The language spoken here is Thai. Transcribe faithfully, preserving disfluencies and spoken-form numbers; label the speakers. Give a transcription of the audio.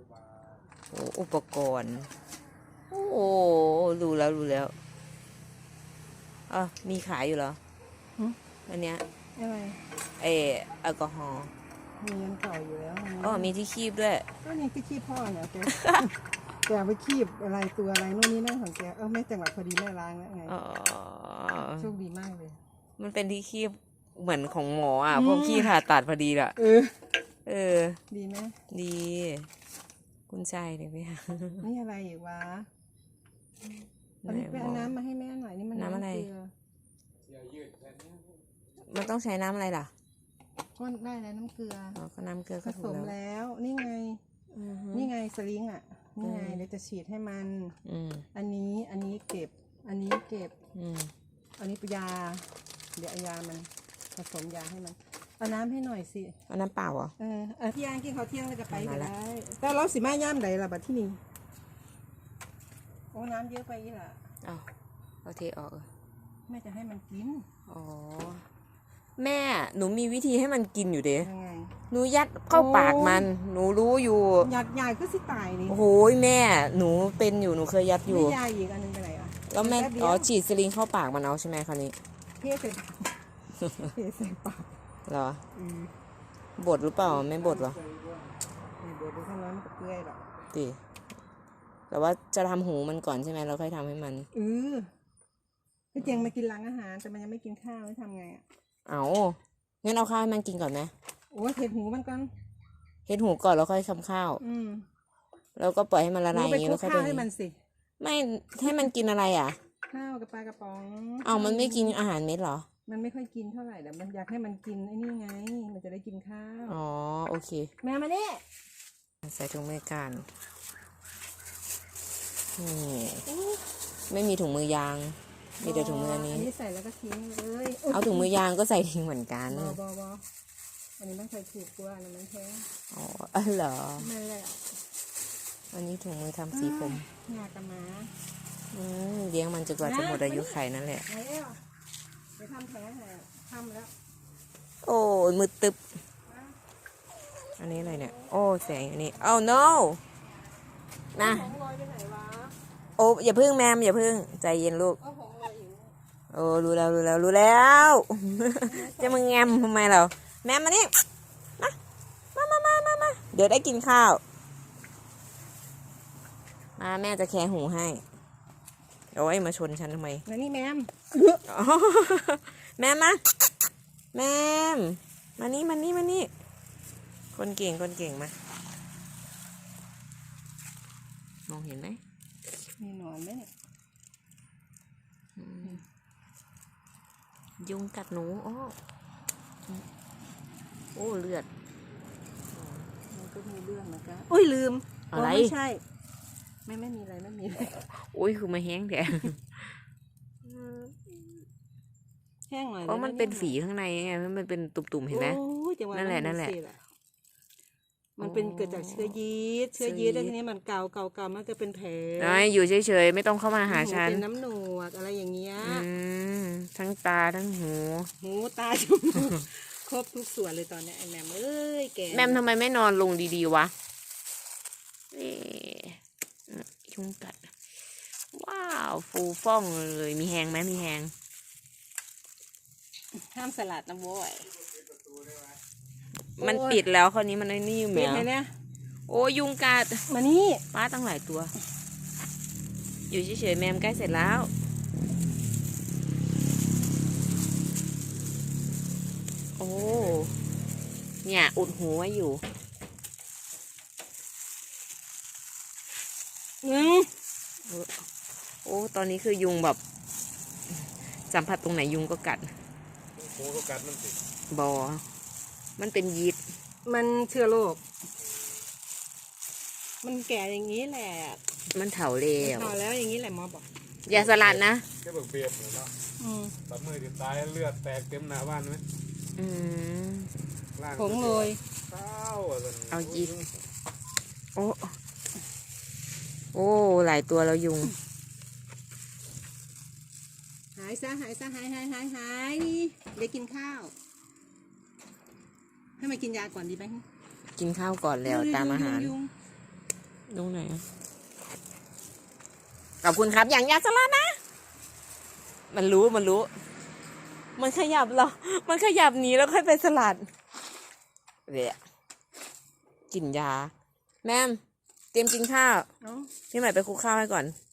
Speaker 1: โอ้อุปกรณ์โอ้รู้แล้วรู้แล้วอ่ะมีขายอยู่เหรออันเนี้ย
Speaker 2: อะไร
Speaker 1: เออแอลกอฮอล์
Speaker 2: มีเงินเก่าอยู่แล้ว
Speaker 1: อ๋อมีที่คีบด้วย
Speaker 2: ก็นี่ที่คีบพ่อเนี่ยแกแกไปคีบอะไรตัวอะไรนู่นนี่นั่นของแกเออไม่จังหวะพอดีแม่ล้างแล้วไงโชคดีมากเลย
Speaker 1: มันเป็นที่คีบเหมือนของหมออ่ะพวกขี้ผ่าตัดพอดีล่ะ
Speaker 2: เออ
Speaker 1: เออ
Speaker 2: ดีไหม
Speaker 1: ดีคุณใจเลยพี่
Speaker 2: นี่อะไรอีกวะอันนี้ไปเอาน้ำมาให้แม่หน่อยนี่มัน
Speaker 1: น้ำอะไร
Speaker 2: เกลือ
Speaker 1: มันต้องใช้น้ำอะไรล่ะ
Speaker 2: ก็ได้แล้วน้ำเกลือ
Speaker 1: อ๋อก็น้ำเกลือ
Speaker 2: ผสมแล้วนี่ไงนี่ไงสลิงอ่ะนี่ไงเดี๋ยวจะฉีดให้มันอันนี้อันนี้เก็บอันนี้เก็บอันนี้ยาเดี๋ยวเอายามันผสมยาให้มันเอาน้ำให้หน่อยสิ
Speaker 1: เอาน้ำเปล่าเหรอ
Speaker 2: เออเออพี่ยางกินข้าวเที่ยงแล้วจะไปก็ได้แต่เราสิมาย่ำใดล่ะบัดที่นี่โอ้น้ำเยอะไปอีหล่ะ
Speaker 1: อ้าวเอาเทออก
Speaker 2: แม่จะให้มันกิน
Speaker 1: อ๋อแม่หนูมีวิธีให้มันกินอยู่เด้
Speaker 2: ยังไง
Speaker 1: หนูยัดเข้าปากมันหนูรู้อยู่
Speaker 2: ยัดใหญ่ก็สิตายนี่
Speaker 1: โอ้ยแม่หนูเป็นอยู่หนูเคยยัดอยู่
Speaker 2: ไม่ยาอีกอันนึงไปไหนอ่ะ
Speaker 1: แล้วแม่อ๋อฉีดสลิงเข้าปากมันเอาใช่ไหมคราวนี้
Speaker 2: เทใส่เทใส่ปาก
Speaker 1: เหรอ บดหรือเปล่าไม่บดหรอ
Speaker 2: ไม่บดดูข้างนั้นมันก็เปื่อยหรอก
Speaker 1: ตีแต่ว่าจะทำหูมันก่อนใช่ไหมเราค่อยทำให้มัน
Speaker 2: เออพี่เจงมากินร้านอาหารแต่มันยังไม่กินข้าวจะทำไงอ่ะ
Speaker 1: เอางั้นเอาข้าวให้มันกินก่อนไหม
Speaker 2: โอ้เห็ดหูมันก่อน
Speaker 1: เห็ดหูก่อนแล้วค่อยทำข้าว
Speaker 2: อืม
Speaker 1: แล้วก็ปล่อยให้มันละลายอย่างนี้แล้ว
Speaker 2: ค่อยไปให้มันสิ
Speaker 1: ไม่ให้มันกินอะไรอ่ะ
Speaker 2: ข้าวกับปลากระป๋อง
Speaker 1: เอามันไม่กินอาหารเม็ดหรอ
Speaker 2: มันไม่ค่อยกินเท่าไหร่แต่มันอยากให้มันกินไอ้นี่ไงมันจะได้กินข้าว
Speaker 1: อ๋อโอเค
Speaker 2: แม่มาเนี่ย
Speaker 1: ใส่ถุงมือกันนี่ไม่มีถุงมือยางมีแต่ถุงมืออันนี้
Speaker 2: อันนี้ใส่แล้วก็ทิ้งเลย
Speaker 1: เอาถุงมือยางก็ใส่ทิ้งเหมือนกัน
Speaker 2: บอบอบออันนี้มันใส่ถูกกว่าอันนั้นมันแพง
Speaker 1: อ๋ออ๋อเหรอ
Speaker 2: ไม่เลย
Speaker 1: อันนี้ถุงมือทำสีผม
Speaker 2: งากระมา
Speaker 1: อืมเลี้ยงมันจนกว่าจะหมดอายุไขนั่นแหละ
Speaker 2: ไปทำแผลให้ทำแล้ว
Speaker 1: โอ้มือตึบอันนี้อะไรเนี่ยโอ้แสงอันนี้ oh no นะโอ้อย่าพึ่งแมมอย่าพึ่งใจเย็นลูกโอ้รู้แล้วรู้แล้วรู้แล้วจะมึงแงมทำไมเราแมมมานี่มามามามามาเดี๋ยวได้กินข้าวมาแม่จะแคะหูให้โอ้ยมาชนฉันทำไม
Speaker 2: นี่แมม
Speaker 1: แมมมาแมมมานี่มานี่มานี่คนเก่งคนเก่งมามองเห็นไหม
Speaker 2: มีหนอนไหมเนี่ย
Speaker 1: ยุงกัดหนูโอ้โอ้เลือด
Speaker 2: มันก็มีเลือดเหมือนกันอุ้ยลืม
Speaker 1: อะไร
Speaker 2: ไม่ใช่ไม่ไม่มีอะไรไม่มี
Speaker 1: อุ้ยคือมาแห้งแท้
Speaker 2: แห้งหน่อย
Speaker 1: เพราะมันเป็นฝีข้างในไงมันเป็นตุ่มๆเห็นไหมนั่นแหละนั่นแหละ
Speaker 2: มันเป็นเกิดจากเชื้อยีสต์เชื้อยีสต์แล้วทีนี้มันเกาเกาเกามันก็เป็นแผล
Speaker 1: อยู่เฉยๆไม่ต้องเข้ามาหาฉัน
Speaker 2: เป็นน้ำหนวกอะไรอย่างเงี้ย
Speaker 1: ทั้งตาทั้งหู
Speaker 2: หูตาจมูกครบทุกส่วนเลยตอนนี้ไอ้แมมเอ้ยแก
Speaker 1: แมมทำไมไม่นอนลงดีๆวะยุงกัดว้าวฟูฟ่องเลยมีแหงไหมมีแหง
Speaker 2: ห้ามสลัดนะโว้ย
Speaker 1: มันปิดแล้วคราวนี้มันไอ้นี่อยู่ไหม
Speaker 2: เนี่ย
Speaker 1: โอ้ยุงกัด
Speaker 2: มานี่
Speaker 1: ป้าตั้งหลายตัวอยู่เฉยๆแมมใกล้เสร็จแล้วโอ้เนี่ยอุดหูไว้อยู่
Speaker 2: อืม
Speaker 1: โอ้ตอนนี้คือยุงแบบสัมผัสตรงไหนยุงก็กัด
Speaker 3: หูก็กัดมันสิ
Speaker 1: บอมันเป็นยีสต์
Speaker 2: มันเชื้อโรคมันแก่อย่างนี้แหละ
Speaker 1: มันเถาเร็ว
Speaker 2: เถาแล้วอย่างนี้แหละหมอบอก
Speaker 1: อย่าสลัดนะ
Speaker 3: แค่แบบเบียบเลยเนาะตัดมือติดตายเลือดแตกเต็มหน้าบ้านไหม
Speaker 1: อืม
Speaker 2: ผงโรย
Speaker 1: เอายีสต์โอ้โอ้หลายตัวแล้วยุง
Speaker 2: หายซะหายซะหายหายหายหายเดี๋ยวกินข้าวให้มากินยาก่อนดีไหม
Speaker 1: กินข้าวก่อนแล้วตามอาหารตรงไหนอะขอบคุณครับอย่างยาสลัดนะ มันรู้มันรู้ มันขยับเรา มันขยับหนีแล้วค่อยไปสลัดเดี๋ยวกินยา แม่มเตรียมกินข้าว
Speaker 2: เอ้า
Speaker 1: พี่ใหม่ไปคลุกข้าวให้ก่อน